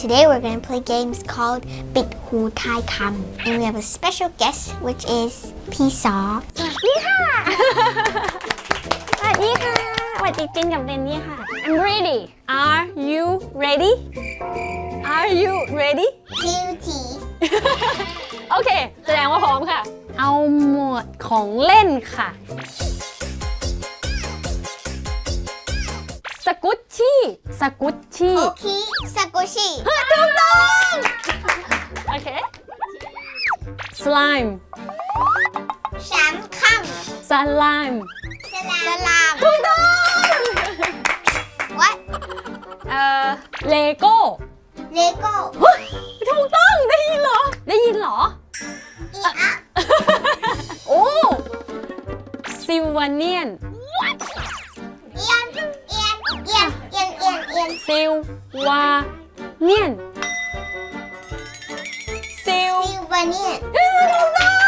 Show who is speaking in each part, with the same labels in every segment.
Speaker 1: today we're going to play games called ปิดหูทายคำ and we have a special guest which is พี่ซอสวัสดีค่ะ สวัสดีค่ะสวัสดีจินกับเรนนี่ค่ะ I'm ready Are you ready Are you ready
Speaker 2: Beauty
Speaker 1: โอเคแสดงว่าพร้อมค่ะเอาหมวดของเล่นค่ะสกุชชี่สกุชชี่
Speaker 2: โอเคซากุชิ
Speaker 1: ถูกต้องโอเค slime
Speaker 2: สามค
Speaker 1: slime
Speaker 2: ำสลาม
Speaker 1: ถูกต้อง
Speaker 2: What
Speaker 1: เลโก้
Speaker 2: เลโก้
Speaker 1: ถูกต้องได้ยินเหรอได้ยินเหรอ
Speaker 2: อีอะ
Speaker 1: โอ้ซิลวาเนียน
Speaker 2: เอียนเอียนเอียนเอียนเอียนเอียน
Speaker 1: ซิลวาเนียนซิล
Speaker 2: ซิลวาเนียน
Speaker 1: ถูกต้อง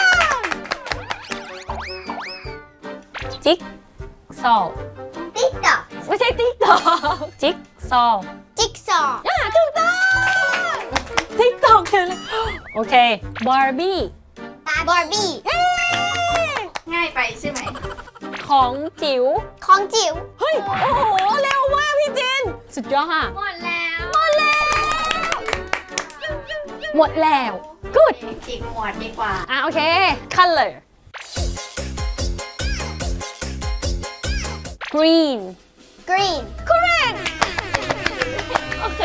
Speaker 1: จิ๊กซอว์
Speaker 2: ติ๊กตอก
Speaker 1: ไม่ใช่ติ๊กตอกจิ๊กซอว์
Speaker 2: จิ๊กซอว์
Speaker 1: ถูกต้องติ๊กตอกเลยโอเคบาร์บี้
Speaker 2: บาร์บี้
Speaker 3: ง่ายไปใช่ไหม
Speaker 1: ของจิ๋ว
Speaker 2: ของจิ๋ว
Speaker 1: เฮ้ยโอ้โหเร็วมากพี่จินสุดยอดค่ะ
Speaker 3: หมดแล้ว
Speaker 1: หมดแล้วหมดแล้ว good
Speaker 3: อีกหมวดดีกว่า
Speaker 1: โอเค color green
Speaker 2: กรีน
Speaker 1: correct โอเค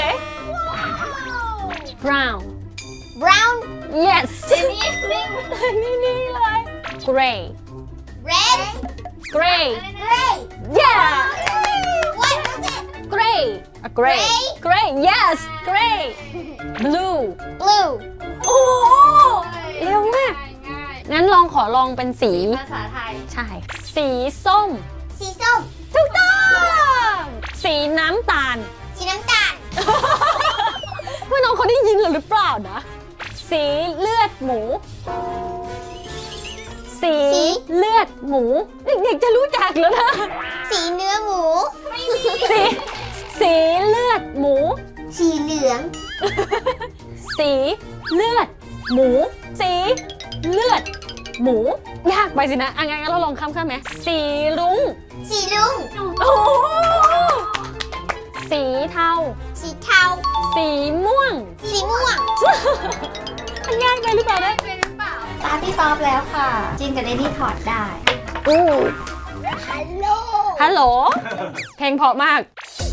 Speaker 1: brown
Speaker 2: บราวน์
Speaker 1: yes
Speaker 3: นี่
Speaker 1: นี่เลย gray
Speaker 2: เรด
Speaker 1: gray
Speaker 2: เกรย์
Speaker 1: yeah
Speaker 2: What is it
Speaker 1: gray gray gray yes gray blue
Speaker 2: บลู
Speaker 1: โอ้โหเร็วมาก
Speaker 3: ง่าย
Speaker 1: งั้นขอลองเป็นสี
Speaker 3: ภาษาไทย
Speaker 1: ใช่ สีส้ม
Speaker 2: สีส้ม
Speaker 1: ถูกต้อง สีน้ำตาล
Speaker 2: สีน้ำตาล
Speaker 1: เพื่อนน้องเขาได้ยินหรือเปล่านะ สีเลือดหมู สีเลือดหมู เด็กๆจะรู้จักแล้วนะ
Speaker 2: สีเนื้อหมู
Speaker 1: สีเลือดหมู
Speaker 2: สีเหลือง
Speaker 1: สีเลือดหมู สีเลือดหมู ยากไปสินะงั้นเราลองข้ามไหมสีรุ้ง
Speaker 2: สีลุง
Speaker 1: โอ้โหสีเทา
Speaker 2: สีเทา
Speaker 1: สีม่วง
Speaker 2: สีม่วง
Speaker 1: มันง่ายไปหรือเปล่าเนี่ย
Speaker 3: เป็นหรือเปล่า ตาพี่ซอฟแล้วค่ะ จินกับเดนนี่ถอดได้
Speaker 1: อู้
Speaker 2: ฮัลโหล
Speaker 1: ฮัลโหล เพลงเพราะมาก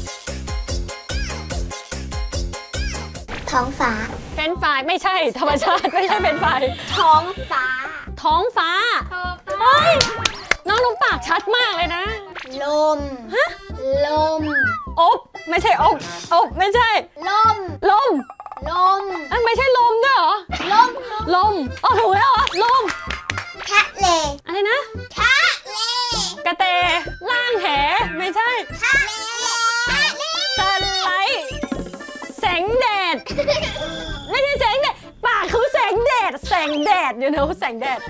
Speaker 2: ท้องฟ้า
Speaker 1: เป็นไฟไม่ใช่ธรรมชาติไม่ใช่เป็นไฟ
Speaker 2: ท้องฟ้า
Speaker 1: ท้องฟ้า เฮ้ย น้องปากชัดมากเลยนะ
Speaker 2: ลม ลม
Speaker 1: อบไม่ใช่อบไม่ใช่
Speaker 2: ลม
Speaker 1: ลม
Speaker 2: ลม
Speaker 1: ไม่ใช่ลมด้วยเหรอ
Speaker 2: ลม
Speaker 1: ลมอ๋อถูกแล้วเหรอ ลม
Speaker 2: ทะเล
Speaker 1: อะไรนะ
Speaker 2: ทะเล
Speaker 1: กระเตล่างแหไม่ใช่
Speaker 2: ทะเลทะเล
Speaker 1: สไลด์แสงแดด ไม่ใช่แสงแดด ปากคือแสงแดด แสงแดดอยู่นะแสงแดด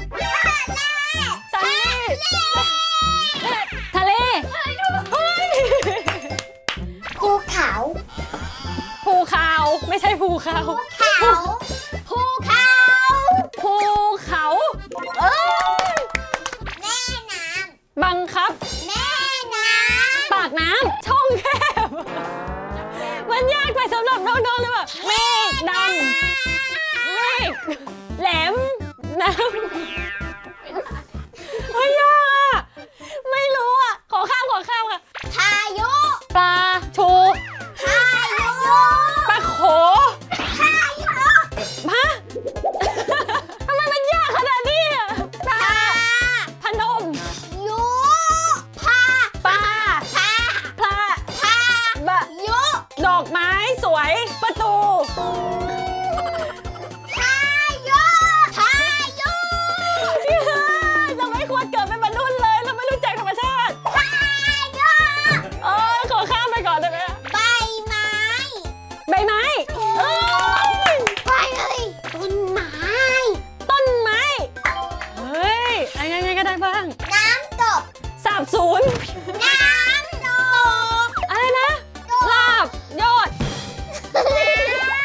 Speaker 1: ทะเลเฮ้ย
Speaker 2: ภูเขา
Speaker 1: ภูเขาไม่ใช่ภูเขา
Speaker 2: เขาภูเขา
Speaker 1: ภูเขาเอ้ย
Speaker 2: แม่น้
Speaker 1: บังคับ
Speaker 2: ำแม่น้
Speaker 1: ปากน้ำช่องแคบ มันยากไปสำหรับน้องๆเลยว่ะเมฆดำเมฆแหลมน้ำไม่ยากอ่ะ ไม่รู้อ่ะ ขอข้ามค่ะ
Speaker 2: ำพายุ
Speaker 1: ปลาชู
Speaker 2: พายุ
Speaker 1: ปลาโข
Speaker 2: พายุ
Speaker 1: ฮะ ทำไมมันยากขนาดนี้อ่ะปลาพนม
Speaker 2: ยุพา
Speaker 1: ปลา
Speaker 2: พา
Speaker 1: พลา
Speaker 2: พา
Speaker 1: บะ
Speaker 2: ยุ
Speaker 1: ดอกไม้สวยประตู
Speaker 2: พายุพายุ
Speaker 1: เราไม่ควรเกิดเป็นมนุษย์เลย เราไม่รู้จักธรรมชาติ
Speaker 2: พายุ
Speaker 1: ขอข้ามไปก่อนได้ไหม
Speaker 2: ใบไม้
Speaker 1: ใบไม้เอ้ย
Speaker 2: ไปเลยต้นไม้
Speaker 1: ต้นไม้ เฮ้ยไงก็ได้บ้าง
Speaker 2: น้ำตก
Speaker 1: สาบศูนย์
Speaker 2: น้ำตก
Speaker 1: อะไรนะ ลาบยอด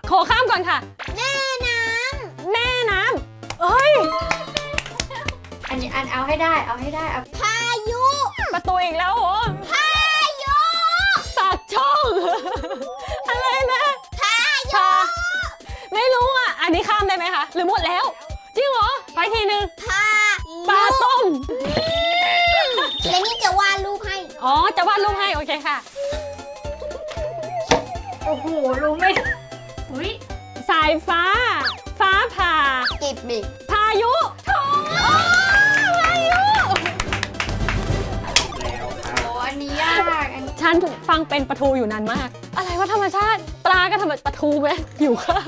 Speaker 4: ขอข้ามก่อนค่ะ
Speaker 2: แม่น้
Speaker 4: แม่น้ำเอ้ย
Speaker 3: อันนี้อันเอาให้ได้เอา
Speaker 2: ำพายุ
Speaker 4: ประตูอีกแล้วเหรอ
Speaker 2: พายุ
Speaker 4: ปากช่อง อะไรนะ
Speaker 2: พายุ
Speaker 4: ชาไม่รู้อ่ะ อันนี้ข้ามได้ไหมคะ หรือหมดแล้ว จริงเหรอ ไปทีนึง
Speaker 2: พา
Speaker 4: ปลาต้ม
Speaker 2: เดี๋ยวนี่จะวาดรูปให้
Speaker 4: อ๋อ จะวาดรูปให้ โอเคค่ะ
Speaker 3: โอ้โหรู้ไม่อุ้ย
Speaker 4: สายฟ้า ฟ้าผ่า
Speaker 2: กิบบิ
Speaker 4: พายุโถ่พายุ
Speaker 3: โอ้อันนี้ยากอัน
Speaker 4: ฉันฟังเป็นปลาทูอยู่นานมาก อะไรวะธรรมชาติ ปลาก็ทำแบบปลาทูไหมหิวข้าว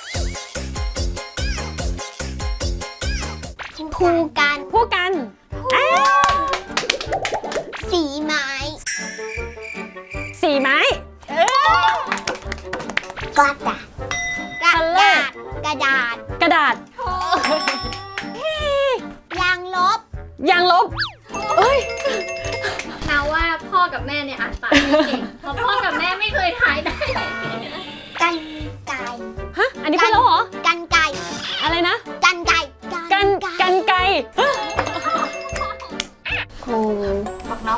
Speaker 2: ภูกัน
Speaker 4: ผู้กันอ้าว
Speaker 2: สีไม้
Speaker 4: สีไม้เออก
Speaker 2: ระดาษกระดาษกระดาษ
Speaker 4: กระดาษ
Speaker 2: ยางลบ
Speaker 4: ยางลบเอ้ย
Speaker 3: นาว่าพ่อกับแม่เนี่ยอ่านปากไม่เก่งเพราะพ่อกับแม่ไม่เคยทายได้
Speaker 2: กันไก่
Speaker 4: ฮะ อันนี้พูดแล้วเหรอ
Speaker 2: กันไก่
Speaker 4: อะไรนะ
Speaker 2: กันไก่
Speaker 4: กันไก
Speaker 2: ครู
Speaker 3: บอกน้อง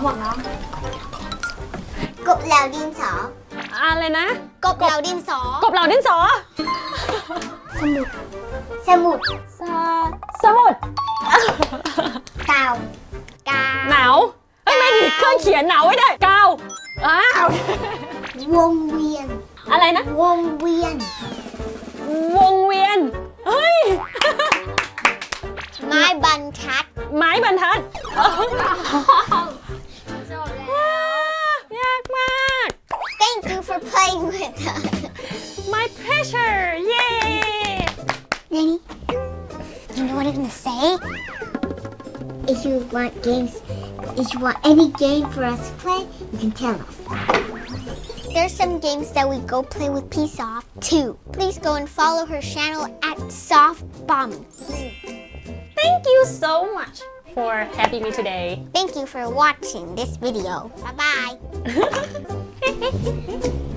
Speaker 2: กบแล้วดินสอ
Speaker 4: อะไรนะ
Speaker 2: กบแล้วดินสอก
Speaker 4: บเหล่าดินสอ
Speaker 2: สมุด สมุด
Speaker 4: สมุด
Speaker 2: กาวกา
Speaker 4: หนาวเอ้ยไม่ดิเครื่องเขียนหนาวไว้ได้กาวอ้าว
Speaker 2: วงเวียน
Speaker 4: อะไรนะ
Speaker 2: วงเวียน
Speaker 4: วงเวียน เฮ้ย
Speaker 2: ไม้บรรทัด
Speaker 4: ไม้บรรทัด
Speaker 3: จบแล้ว
Speaker 4: ยากมาก
Speaker 2: Thank you for playing with us
Speaker 4: My pleasure Yay
Speaker 2: Nanny you know what I'm gonna say if you want games if you want any game for us to play you can tell us There's some games that we go play with P-Soft too. Please go and follow her channel at SoftBomb.
Speaker 4: Thank you so much for having me today
Speaker 2: Thank you for watching this video. Bye bye.